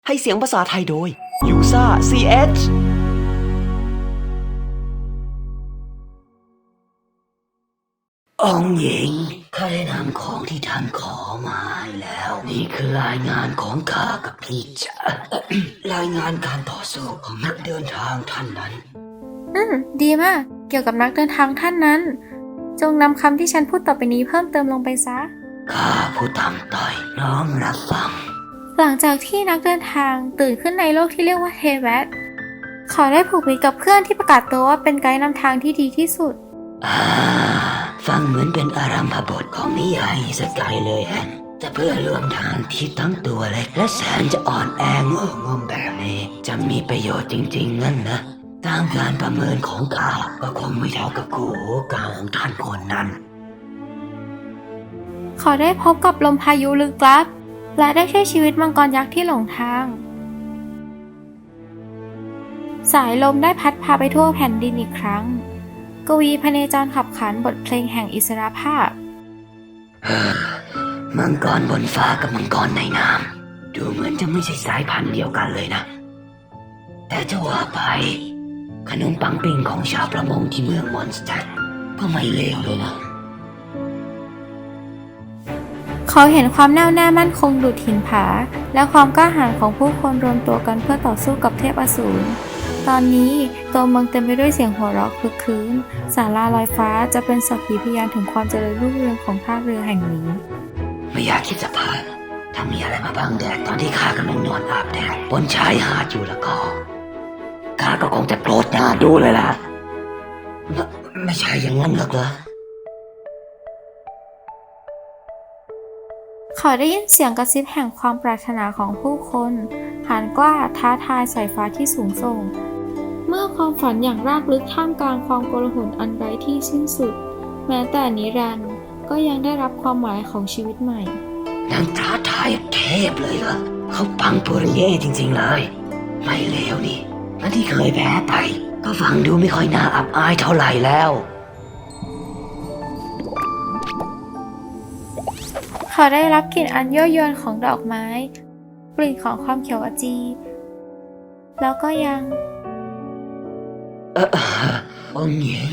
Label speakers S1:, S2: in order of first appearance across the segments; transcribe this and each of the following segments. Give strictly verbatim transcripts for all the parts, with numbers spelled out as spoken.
S1: ให้เสียงภาษาไทยโดย ยูซ่า ซี เอช
S2: องค์หญิงข้าได้นำของที่ท่านขอมาให้แล้ว นี่คือรายงานของข้ากับพี่จ๋ารายงานการต่อสู้ของนักเดินทางท่านนั้น
S3: อืมดีมาก เกี่ยวกับนักเดินทางท่านนั้น จงนำคำที่ฉันพูดต่อไปนี้เพิ่มเติมลงไปซะ
S2: ข้าผู้ตามต่อยน้อมรับฟัง
S3: หลังจากที่นักเดินทางตื่นขึ้นในโลกที่เรียกว่าเทแวตเขาได้ผูกมิตรกับเพื่อนที่ประกาศตัวว่าเป็นไกด์นำทางที่ดีที่สุด
S2: อ่า ฟังเหมือนเป็นอารัมภบทของนิยายสกายเลยแฮะแต่เพื่อร่วมทางที่ทั้งตัวเล็กและแสนจะอ่อนแองงงแบบนี้จะมีประโยชน์จริงๆนั่นนะตามการประเมินของข้าก็คงไม่เท่ากับกูโหกาวของท่านคนนั้น
S3: เขาได้พบกับลมพายุลึกลับ และได้ช่วยชีวิตมังกรยักษ์ที่หลงทาง สายลมได้พัดพาไปทั่วแผ่นดินอีกครั้ง กวีพเนจรขับขานบทเพลงแห่งอิสรภาพ
S2: มังกรบนฟ้ากับมังกรในน้ำดูเหมือนจะไม่ใช่สายพันธุ์เดียวกันเลยนะ แต่จะว่าไปขนมปังปิ้งของชาวประมงที่เมืองมอนสเตอร์ก็ไม่เลวเลยนะ
S3: เขาเห็นความแน่วแน่มั่นคงดุจหินผา และความกล้าหาญของผู้คนรวมตัวกันเพื่อต่อสู้กับเทพอสูร ตอนนี้ตัวเมืองเต็มไปด้วยเสียงหัวเราะคลึกครื้นศาลาลอยฟ้าจะเป็นสักขีพยานถึงความเจริญรุ่งเรืองของท่าเรือแห่งนี้
S2: ไม่อยากคิดจะพลาดถ้ามีอะไรมาบังแดดตอนที่ข้ากำลังนอนอาบแดดบนชายหาดอยู่แล้วก็ข้าก็คงจะโกรธหน้าดูเลยล่ะไม่ไม่ใช่อย่างนั้นหรอกเหรอ
S3: เขาได้ยินเสียงกระซิบแห่งความปรารถนาของผู้คนหานกล้าท้าทายสายฟ้าที่สูงส่ง เมื่อความฝันอย่างรากลึกท่ามกลางความโกลาหลอันไร้ที่สิ้นสุด แม้แต่นิรันดร์ก็ยังได้รับความหมายของชีวิตใหม่
S2: นางท้าทายเทพเลยเหรอเขาปังปุริเย่จริงๆเลยไม่เลวนี่และที่เคยแพ้ไปก็ฟังดูไม่ค่อยน่าอับอายเท่าไหร่แล้ว
S3: เขาได้รับกลิ่นอันยั่วยวนของดอกไม้ กลิ่นของความเขียวอจี แล้วก็ยัง
S2: เออองค์หญิง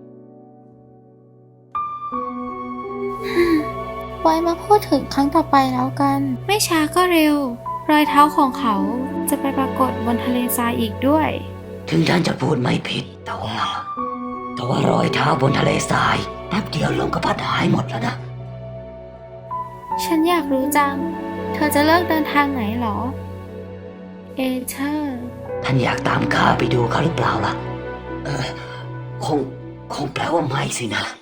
S3: ไว้มาพูดถึงครั้งต่อไปแล้วกัน ไม่ช้าก็เร็ว รอยเท้าของเขาจะไปปรากฏบนทะเลทรายอีกด้วย
S2: ถึงท่านจะพูดไม่ผิดแต่ว่าแต่ว่ารอยเท้าบนทะเลทรายแป๊บเดียวลมก็พัดหายหมดแล้วนะ
S3: ฉันอยากรู้จัง เธอจะเลิกเดินทางไหนหรอ เอเธอร์
S2: ท่านอยากตามข้าไปดูเขาหรือเปล่าล่ะ เออคงคงแปลว่าไม่สินะ